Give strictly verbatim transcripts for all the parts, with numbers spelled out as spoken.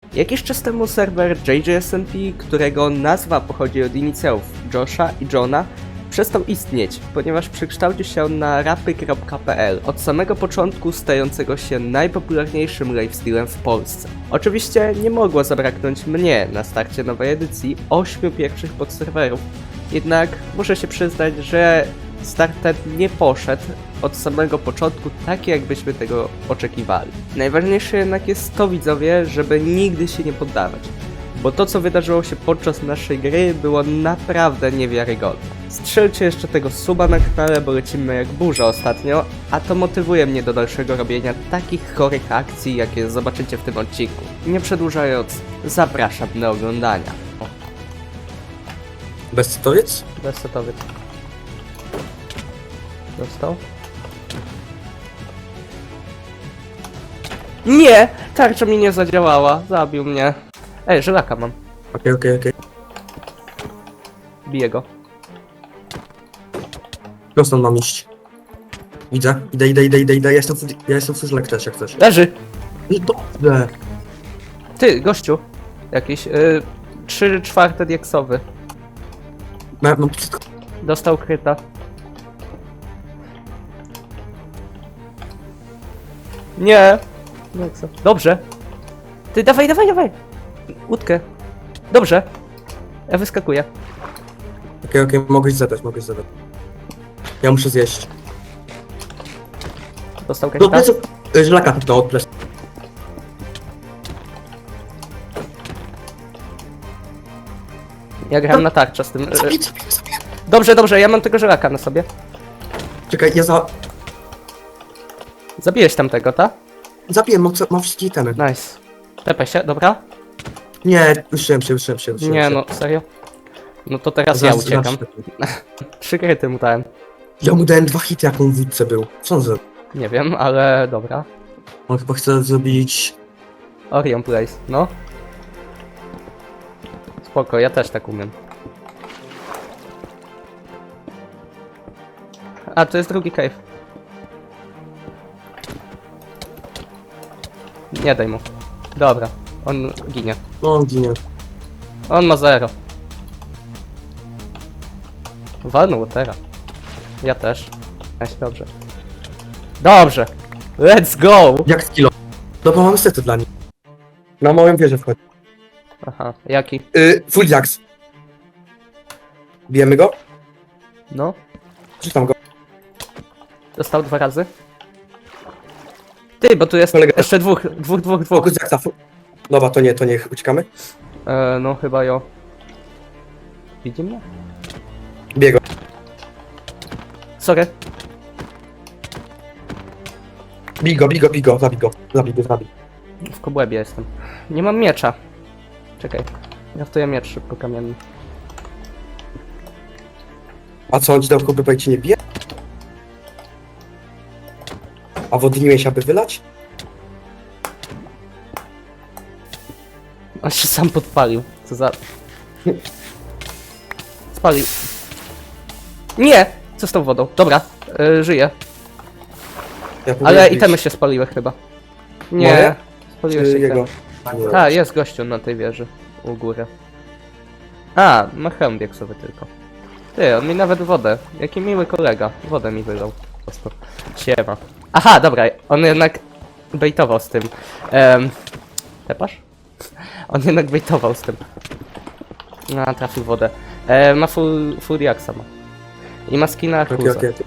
Jakiś czas temu serwer J J S M P, którego nazwa pochodzi od inicjałów Josha i Johna, przestał istnieć, ponieważ przekształcił się on na rapy kropka p l, od samego początku stającego się najpopularniejszym lifestylem w Polsce. Oczywiście nie mogło zabraknąć mnie na starcie nowej edycji ośmiu pierwszych podserwerów, jednak muszę się przyznać, że start ten nie poszedł od samego początku tak, jakbyśmy tego oczekiwali. Najważniejsze jednak jest to, widzowie, żeby nigdy się nie poddawać, bo to, co wydarzyło się podczas naszej gry, było naprawdę niewiarygodne. Strzelcie jeszcze tego suba na kanale, bo lecimy jak burza ostatnio, a to motywuje mnie do dalszego robienia takich chorych akcji, jakie zobaczycie w tym odcinku. Nie przedłużając, zapraszam do oglądania. Bezcytowiec? Bezsetowiec. Dostał? Nie! Tarcza mi nie zadziałała, zabił mnie. Ej, żelaka mam. Okej, okej, okej. Biję go. Prosto mam iść. Widzę. Idę, idę, idę, idę, idę. Ja jestem, full- ja jestem full też, jak chcesz. Leży! No dobrze. Ty, gościu. Jakiś, yy, trzy czwarte dieksowy. Mam, mam wszystko. Dostał kryta. Nie! Dieksa. Dobrze. Ty, dawaj, dawaj, dawaj! Łódkę. Dobrze. Ja wyskakuję. Okej, okej, mogłeś zadać, mogłeś zadać. Ja muszę zjeść. Dostał Do kryta. pleców. y, Żelaka no od pleców. Ja grałem na tarczę z tym. yy, Zabiję, zabiję, zabiję. Dobrze, dobrze, ja mam tego żelaka na sobie. Czekaj, ja za... Zabiłeś tamtego, ta? Zabiję, mam, mam wszystkie itemy. Nice. Tepaj się, dobra? Nie, wyszedłem się, wyszedłem się, wyszedłem Nie się. no, serio? No to teraz ja Zaraz- uciekam. zaraz- Trzy kryty mu dałem. Ja mu dałem dwa hity, jak on w wódce był. Co on zrobił? Nie wiem, ale dobra. On chyba chce zrobić... Orion Place, no. Spoko, ja też tak umiem. A, to jest drugi cave. Nie daj mu. Dobra, on ginie. No, on ginie. On ma zero. Walnął teraz. Ja też. Weź, dobrze. Dobrze! Let's go! Jak z kilo? Dobra, mamy sety dla nich. Na moją wieżę wchodzi. Aha, jaki? Yy, full jacks. Bijemy go? No, Czytam go. dostał dwa razy. Ty, bo tu jest Kolega- jeszcze dwóch, dwóch, dwóch, dwóch. Fokus jacksa. fu- Dobra, to nie, to nie, uciekamy. E, no chyba jo. Widzi mnie? Biego. Sorry. Bij go, bij go, bij go, zabij go. Zabij go, zabij. W kobłębie jestem. Nie mam miecza. Czekaj. Raftuję miecz szybko kamienny. A co, on ci dał kubę, ci nie bije? A wodniłeś, aby wylać? On się sam podpalił. Co za... Spalił. Nie! Co z tą wodą? Dobra, e, żyję. Ja Ale próbuję itemy bić. się spaliły chyba. Nie. Moje? Spaliły Czy się jego? itemy. Tak, jest gościu na tej wieży. U góry. A, ma hełm dieksowy tylko. Ty, on mi nawet wodę. Jaki miły kolega. Wodę mi wylał. Po prostu. Siema. Aha, dobra, on jednak bejtował z tym. Um, tepasz? On jednak bejtował z tym. A, trafił wodę. E, ma full, full jaksa ma. I ma skina Okej, Arkusa. okej.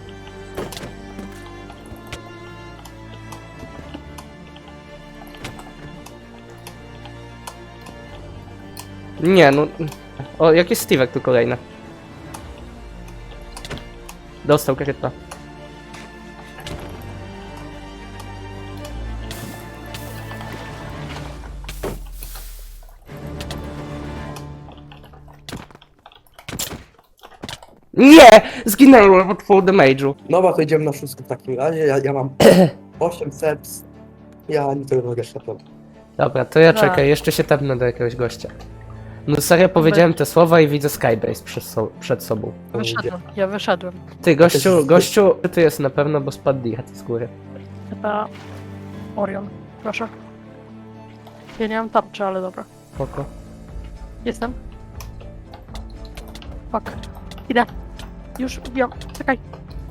Nie, no... O, jakiś Steve'ek tu kolejny. Dostał kryta. Nie! Zginęłem od full damage'u. Dobra, to idziemy na szóstkę w takim razie. Ja, ja mam osiem serc. Ja nie tego mogę szapnąć. Dobra, to ja A. czekaj, jeszcze się tepnę do jakiegoś gościa. No serio, powiedziałem te słowa i widzę Skybase przed, so przed sobą. Wyszedłem, ja wyszedłem. Ty, gościu, gościu, ty jest na pewno, bo spadł diat z góry. Chyba Orion, proszę. Ja nie mam tarczy, ale dobra. Spoko. Jestem. Fuck. Idę. Już, wbiłam. Czekaj.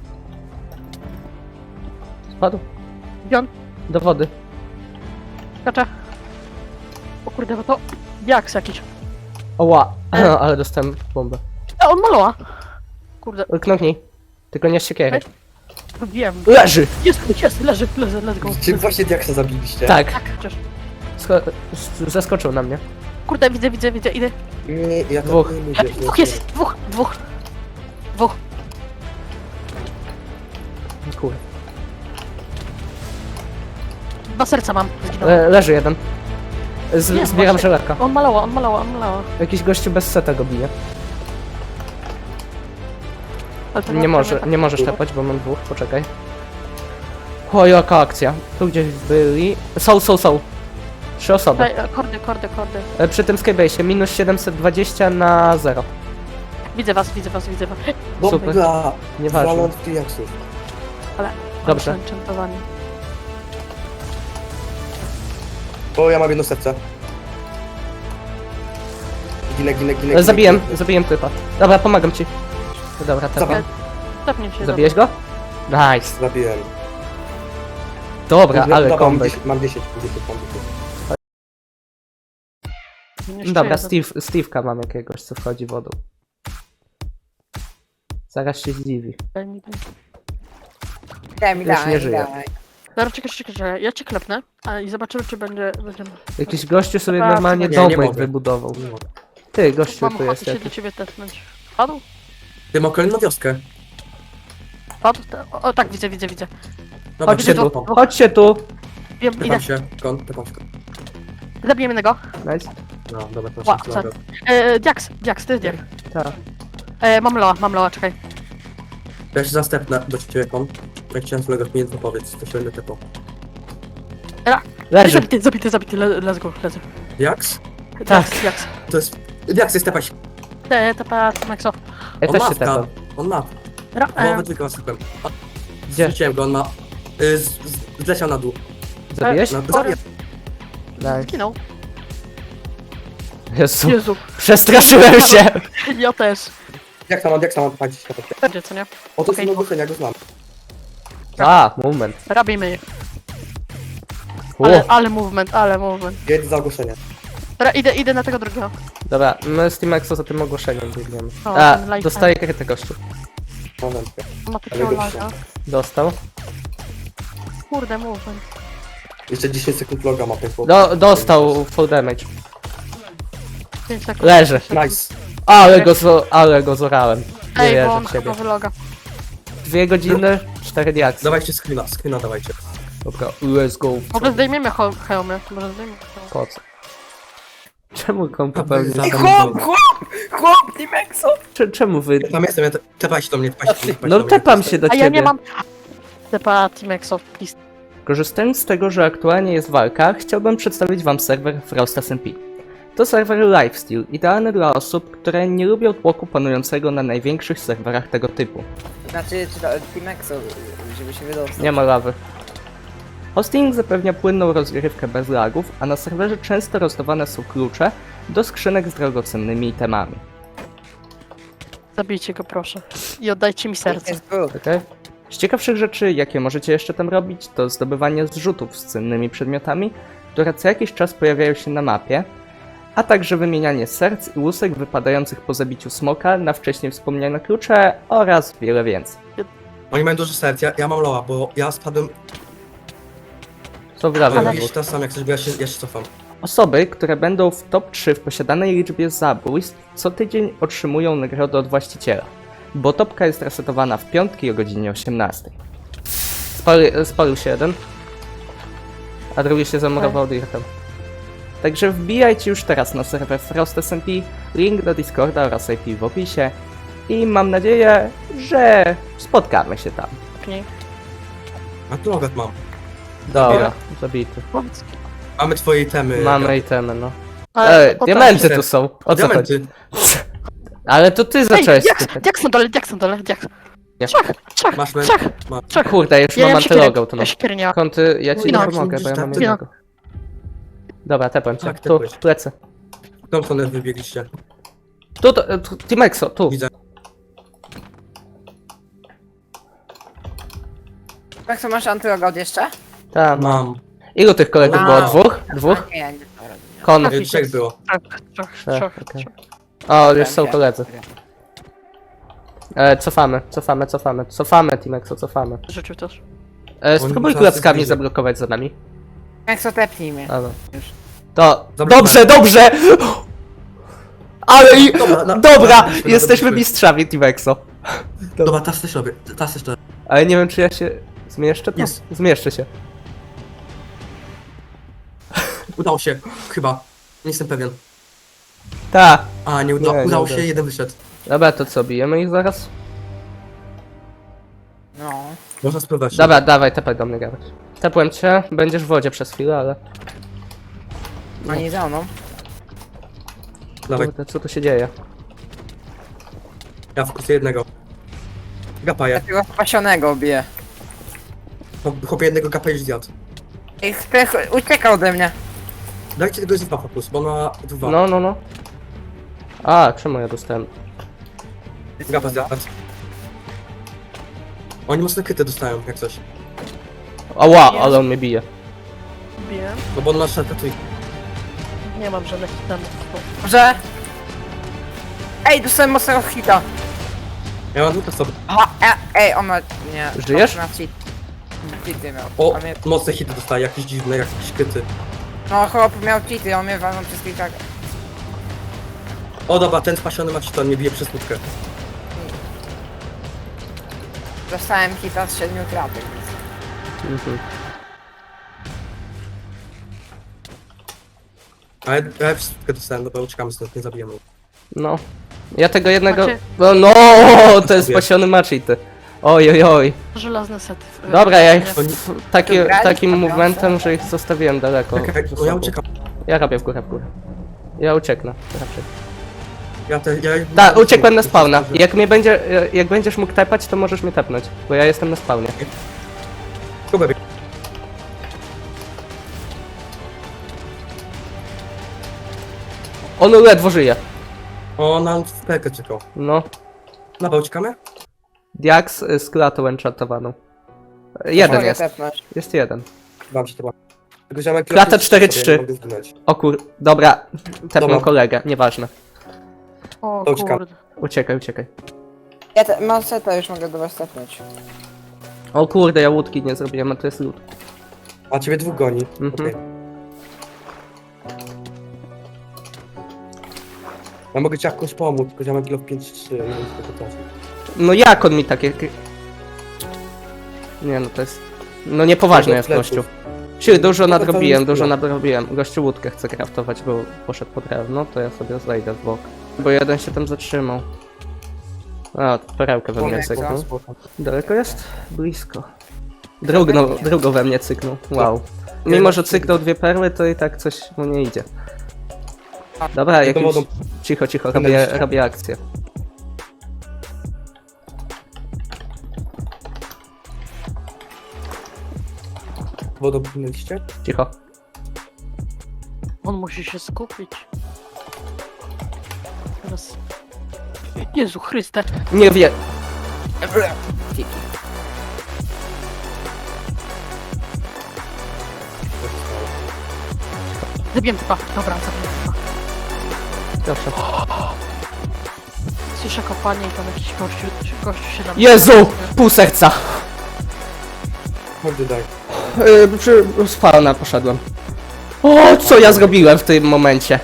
Spadł. Wbiłam. Do wody. Skaczę. O kurde, bo to... Diaks jakiś. Oła, E. ale dostałem bombę. E, on maloła. Kurde, Knoknij. Tylko nie z siekiery. wiem. Leży! Jest, jest, leży, leży, let's go. Czy właśnie Diaksa zabiliście? Tak. Tak, chociaż. Sko- z- zaskoczył na mnie. Kurde, widzę, widzę, widzę, idę. Nie, ja tak Dwóch. nie E, mówię. Dwóch jest, dwóch, dwóch. Dwóch. Kurde. Dwa serca mam. Zginął. Le- leży jeden. Z- Nie, zbieram właśnie. żelarka. On malała, on malała, on malała. Jakiś gościu bez seta go bije. Ale to Nie może, nie możesz tepać, bo mam dwóch, poczekaj. O, jaka akcja. Tu gdzieś byli. Są, są, są. Trzy osoby. Ej, e, kordy, kordy, kordy. E, Przy tym skybase'ie minus siedemset dwadzieścia na zero. Widzę was, widzę was, widzę was. Super. Dobra, Nieważne. waląc w Diaksów. Ale... Dobrze. oni są enchantowani. O, ja mam jedno serce. Ginę, ginę, ginę. ginę, Zabiłem, ginę. zabiłem typa. Dobra, pomagam ci. Dobra, tepam. Zabiłem. Stopnie się. Zabiłeś go? Nice. Zabiłem. Dobra, Dobra, ale mam comeback. dziesięć, mam dziesięć, mam dziesięć, mam dziesięć. dobra. Dobra, Steve, Steve'ka mam jakiegoś, co wchodzi wodą. Zaraz się zdziwi. Daj mi, daj. Daj mi, Już daj, nie żyje. daj. Dobra, czekaj, czekaj, czekaj. Ja cię klepnę a, i zobaczymy, czy będzie... będziemy... Jakiś gościu sobie Dobra, normalnie nie, nie domek mogę. wybudował. Nie mogę. Ty, gościu Mam tu ochotę jest się do jakiś. ciebie tepnąć. Padł? Ty ma kolejną wioskę. Padł? Te- O, o tak, widzę, widzę, widzę. Dobra, Chodźcie gdzie tu, to? chodźcie tu. Wiem, idę. Tepam się, kon, tepam się. Zabijemy jednego. Nice. No, dobra, to Ła, się co? E, Diaks, Diaks, to jest Diak. Tak. E, mam loa, mam loa, czekaj. Ja się zastępnę do ciebie, kon. Jak chciałem z mojego mi jedno powiedz, to się będę tepał. Leży. Zabity, zabity, zabity, le, let's go, let's go. Diaks? Diaks, Diaks. To jest... Diaks jest tepać. Te, tepa, Maxo. Ja On też ma się tepam. On ma. Ra, Połowę e, tylko sypem. Gdzie? Zrzuciłem go, on ma... Y, z, z, zleciał na dół. Zabiłeś? No, Sorry. zabiję. Nice. zginął. Jezu. Jezu, Przestraszyłem się. ja też. Jak tam mam, jak tam mam palić na topie? Będzie, co nie? O, to Okej. są ogłoszenia, go znam. A, moment. Robimy je. U, Ale, ale movement, ale movement. Jedź za ogłoszenie. Dobra, idę, idę na tego drugiego. dobra, my z Team Exo za tym ogłoszeniem biegniemy. O, A, ten life dostaje krytę gościu. Mam wędkę. On ma Ale takiego go laga. Dostał. Kurde, movement. Jeszcze dziesięć sekund loga ma ten chłop. Do, dostał full damage. pięć sekund. Leży. Nice. Ale go, zo, ale go zorałem. Nie Ej, bo wierzę on w siebie. chyba wyloga. Dwie godziny, cztery diaksy. Dawajcie screena, screena dawajcie. Dobra, let's go. Może zdejmiemy he- hełmy, może zdejmiemy hełmy. Po co? Czemu kom popełnił Ej, samobójstwo? chłop! Chłop, Dimexo! Cze- Czemu wy... Ja tam jestem, ja te, tepajcie do mnie, tepajcie do mnie. tepajcie No do mnie. tepam się do A ciebie. ja nie mam... Tepa Teamexo, please. Korzystając z tego, że aktualnie jest walka, chciałbym przedstawić wam serwer Frost S M P. To serwer lifesteal, idealny dla osób, które nie lubią tłoku panującego na największych serwerach tego typu. Znaczy, czy to Dimexo, żeby się wydostał. Nie ma lawy. Hosting zapewnia płynną rozgrywkę bez lagów, a na serwerze często rozdawane są klucze do skrzynek z drogocennymi itemami. Zabijcie go, proszę. I oddajcie mi serce. Jest był. Okay? Z ciekawszych rzeczy, jakie możecie jeszcze tam robić, to zdobywanie zrzutów z cennymi przedmiotami, które co jakiś czas pojawiają się na mapie, a także wymienianie serc i łusek wypadających po zabiciu smoka na wcześniej wspomniane klucze oraz wiele więcej. Oni mają dużo serc, ja, ja mam loa, bo ja spadłem... Co wrażę Ale- na Widzisz, teraz sam jak coś, bo ja się, ja się cofam. Osoby, które będą w top trzy w posiadanej liczbie zabójstw, co tydzień otrzymują nagrodę od właściciela, bo topka jest resetowana w piątki o godzinie osiemnastej. Spali, spalił się jeden, a drugi się zamurował dirtem. Także wbijajcie już teraz na serwer Frost S M P, link do Discorda oraz I P w opisie i mam nadzieję, że spotkamy się tam. Nie. A tu logat mam. Dobra, zabity. Powiedz. Mamy twoje itemy. Mamy itemy, no. Ale- Ej, o tak. diamenty tu są, o co chodzi? Diamenty. Ale to ty Ej, zacząłeś Diaks, typać. Diaks na dole, Diaks na dole, Diaks. Nie. Trzech, trzech, Masz men- trzech, Ma. trzech. Kurde, już Ja mam mam siekierę, antylogał, to ja no. siekierę nie mam. Kąty, ja ci nie Zginąłem. pomogę, bo ja mam Zginąłem. jednego. Dobra, tepłem cię. Tak, Tu, tepłeś. plecy. W tą stronę wybiegliście. Tu, to, tu Timexo, tu. Widzę. Maxo, masz antylogout jeszcze? Tam. Mam. Ilu tych kolegów było? Wow. Dwóch? Dwóch? Nie, nie. Kon. E, Trzech było. Trzech, trzech, Trzech, trzech, okej. trzech. O, już są koledzy. E, cofamy, cofamy, cofamy. Cofamy, Timexo, cofamy. Życiu też. E, spróbuj zaraz klapskami zbliży. zablokować za nami. Maxo, tepnij mnie. A, no. Już. To. Zablokowałem. Dobrze, dobrze! Ale i. Dobra, na- Dobra! na- Jesteśmy na- mistrzami, Timexo. Dobra, teraz też robię. Teraz też robię. Ale nie wiem, czy ja się zmieszczę. To? Jest. Zmieszczę się. Udało się. Chyba. Nie jestem pewien. Ta. A, nie, uda Nie, nie udało udało się, się. jeden wyszedł. Dobra, to co, bijemy ich zaraz? No. Można spróbować. Dobra, dawaj, tepaj do mnie, Gabryś. Tepłem cię, będziesz w wodzie przez chwilę, ale... Oni za mną. Dawaj, Kurde, co tu się dzieje? ja wkurzę jednego. Gapaję. Takiego spasionego biję. Chłopie jednego gapa już zjadł. I chce, ucieka ode mnie. Dajcie tego z dwa po plus, bo ma dwa. No, no, no. A, czemu ja dostałem? Gapa zjadł. Oni mocno kryte dostają, jak coś. Ała, ale on mnie bije. Biję. No bo on ma szarka tu. Nie mam żadnych itemów. Że... Ej, dostałem mocnego hita. Ja mam dwóch sobie. Aha, e, ej, on ma... Nie. Żyjesz? On ma cheat. Cheaty miał. O, A mnie... mocne hity dostaje, jakieś dziwne, jakieś kryty. No chłop miał cheaty, on mnie walnął przez kilka... O dobra, ten spasiony ma cheat, on mnie bije przez łódkę. Dostałem hita z siedmiu kratek. Mhm. A ja, ja przez łódkę dostałem, dobra, uciekamy stąd, nie zabijemy. No. Ja tego jednego... Macie- No, no, to jest spasiony maczity. Oj, oj, oj. Żelazny set. y, Dobra, ja ich nie? w, taki, Tu grali? takim Tam movementem, że ich zostawiłem daleko. Czekaj, ze bo ja sobą. uciekam. Ja robię w górę, w górę. Ja ucieknę, raczej. Ja te, ja... Tak, uciekłem na spawna. Jak mnie będzie, jak będziesz mógł tepać, to możesz mnie tepnąć, bo ja jestem na spawnie. Kubę, On ledwo żyje. o, nam w pekę czekał. No. Dobra, uciekamy? Diax y, z klatą enchantowaną. Jeden Mogę jest. tepnąć. Jest jeden. Wam się to ładnie. Tylko ziomek... Klata cztery trzy. nie mogę zginąć. O kur... Dobra. Tepnę Dobra. kolegę, nieważne. O To uciekam. kurde. Uciekaj, uciekaj. Ja te, mam seta, już mogę do was tepnąć. O kurde, ja łódki nie zrobiłem, a to jest lód. A ciebie dwóch goni. Mhm. Okej. Ja mogę ci jakoś pomóc, tylko ziomek kilo w pięć trzy, nie wiem co to trafi. No jak on mi takie... Nie no, to jest... No niepoważne jest gościu. Czyli dużo No to nadrobiłem, nic dużo nie. nadrobiłem. Gościu łódkę chce craftować, bo poszedł po drewno, to ja sobie zejdę w bok. Bo jeden się tam zatrzymał. A, perełkę we mnie Moment, cyknął. Spoko. Daleko jest? Blisko. Drugno, drugą we mnie cyknął. Wow. Mimo, że cyknął dwie perły, to i tak coś mu nie idzie. Dobra, Ja to jakimś... wodą- Cicho, cicho, Będę robię, jeszcze. robię akcję. Wodą płynęliście? Cicho. On musi się skupić. Teraz... Jezu Chryste. Nie wie... Cheaty. Zabiłem typa. Dobra, zabiłem typa. Proszę. Słyszę kopanie i tam jakiś gościu, gościu się nam... Jezu! Pół serca! Chodź daj. Yy, przy spawna poszedłem. O, co ja zrobiłem w tym momencie?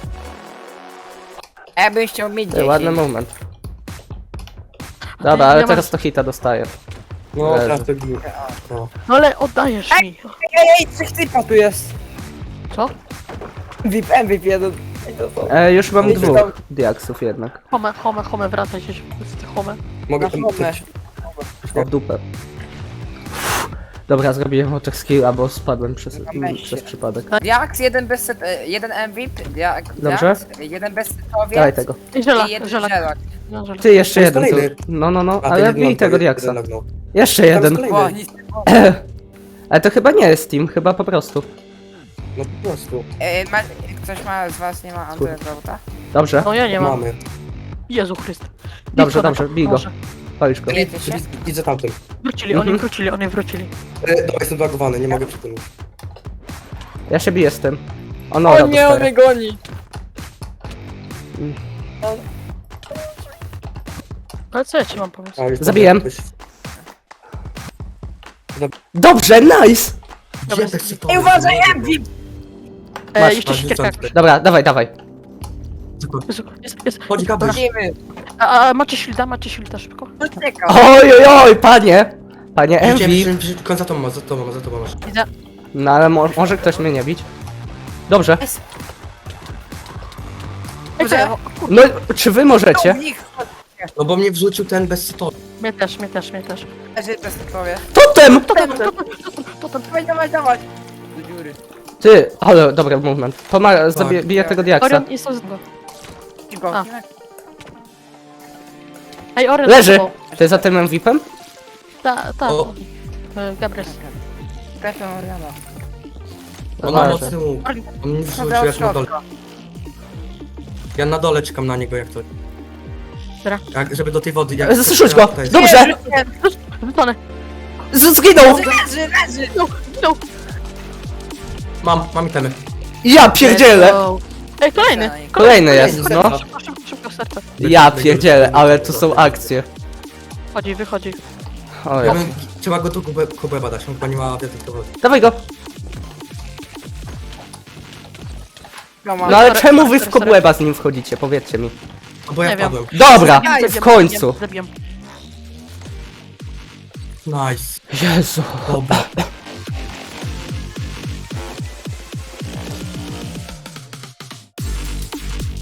Ja bym chciał mieć Yy, ładny dziesięć. moment. Dobra, ale Ja mam- teraz to hita dostaję. No, Leży. teraz to gni. No. No ale oddajesz mi. Ej, ej, trzech typa tu jest. Co? V I P, M V P jeden. Ej, to co? E, już mam Ej, dwóch tam- diaksów jednak. Home, home, home, wracaj się z tych home. Mogę Na tam... home. O dupę. Dobra, zrobiłem oczek skilla, bo spadłem przez, Na mm, męście. przez przypadek. Diax, jeden bez set, e, jeden M V P, Diax, Dobrze. jeden bez setowiec Dawaj tego. I żelak, i jeden żelak. żelak. No, żelak. Ty, jeszcze To jest jeden tu. kolejny. No, no, no, A, ten ale jeden bij lognął, tego jeden diaksa. lognął. Jeszcze Tam jest jeden. kolejny. O, nic nie było. Ale to chyba nie jest team, chyba po prostu. No po prostu. E, ma, ktoś ma z was nie ma Androida? Dobrze, No ja nie mam. Mamy. Jezu Chryst. Dobrze, Idź, dobrze, Konrad, bij go. może. palisz go. Ile ty się? Widzę- Widzę tamtym. Wrócili, oni Mhm. wrócili, oni wrócili. E, dobra, jestem zbagowany, nie mogę przytulać. Ja się biję z tym. O no, O nie, on mnie goni! Ale co ja ci mam pomóc? A, już Zabiłem. jakoś- Dobrze, nice! Gdzie te sytuacje? Ej, uważaj, M V! E, Masz, jeszcze masz siekierka rzucać. jakaś. Dobra, dawaj, dawaj. Jezu, jest, jest. Chodzi kabel. Idziemy! A, a macie shielda, macie shielda szybko? Uciekam! Oj, oj, oj, panie! Panie M V. Widziałem, że że- za tobą masz, za tobą masz, za tobą masz. Widzę. No ale mo może ktoś mnie nie bić. Dobrze. Ej, co ja? No, czy wy możecie? Nich! No bo mnie wrzucił ten bez sytuacji. Mnie też, mnie też, mnie też. Leży bez powie. Totem! Totem, totem, totem, totem. Dawaj, dawaj, dawaj! Do dziury. Ty, ale dobra movement. Pomaga, zabiję tego diaksa. Orion jest z go. Cicho. A. Ej, Orion Leży! za tobą. Ty za tym M V P-em? Ta, ta. O. E, Gabriel. Trafię Oriana. On ma Leży. mocny łuk. On mnie wrzucił, Dobra, ja na dole. środka. Ja na dole czekam na niego jak to. Dobra. Jak, żeby do tej wody. Jak Zrzuć go! To jest- Dobrze! Wypony. Z zginął! Leży, leży! No, no. Mam, mam itemy. Ja pierdzielę! Ej, kolejny. Kolejny jest, Kolejny. no. Szybko, szybko, szybko, serce. Ja pierdzielę, ale to są akcje. Chodzi, wychodzi. O Ja ja. bym, trzeba go tu kubę, kubę badać, on chyba nie ma wiedzy do wody. Dawaj go! No, No ale czemu wy w kobłęba z nim wchodzicie? Powiedzcie mi. No bo ja Nie wiem. padłem. Dobra, Zabiłem, w końcu. Zabiłem. Nice. Jezu. Dobra.